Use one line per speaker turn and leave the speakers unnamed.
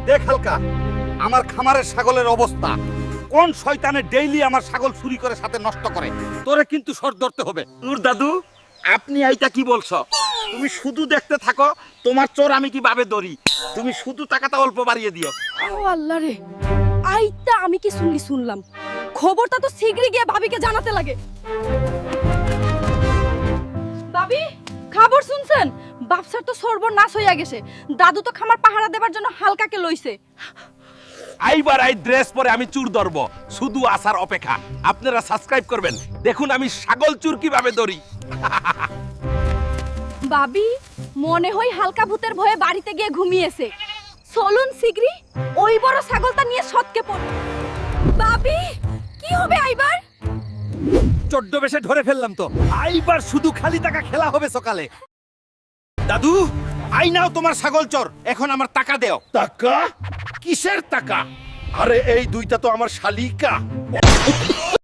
দেখ হালকা, আমার খামারের ছাগলের অবস্থা। কোন শয়তানে ডেইলি আমার ছাগল চুরি করে সাথে নষ্ট করে। তোরে কিন্তু সর ধরতে হবে।
নূর দাদু, আপনি এইটা কি বলছো? তুমি শুধু দেখতে থাকো, তোমার চোর আমি কিভাবে ধরি। তুমি শুধু টাকাটা অল্প বাড়িয়ে দিও।
ও আল্লাহ রে, আইতা আমি কি শুনলাম। খবরটা তো শীঘ্রই গিয়ে ভাবিকে জানাতে লাগে। ভাবি, খবর শুনছেন? বাপসার তো সর্বনাশ হইয়া গেছে। দাদু তো খামার পাহারা দেবার জন্য হালকাকে লইছে।
আইবার আই ড্রেস পরে আমি চুর ধরবো, শুধু আসার অপেক্ষা। আপনারা সাবস্ক্রাইব করবেন, দেখুন আমি ছাগল চুর কিভাবে ধরি।
ভাবি, মনে হয় হালকা ভূতের ভয়ে বাড়িতে গিয়ে ঘুমিয়েছে। চলুন শীঘ্রই ওই বড় ছাগলটা নিয়ে সৎকে পড়। ভাবি, কি হবে আইবার?
14 বেশে ধরে ফেললাম তো। আইবার শুধু খালি টাকা খেলা হবে সকালে। দাদু, আই নাও তোমার ছাগল চোর। এখন আমার টাকা দেও।
টাকা? কিসের টাকা? আরে এই দুইটা তো আমার শালিকা।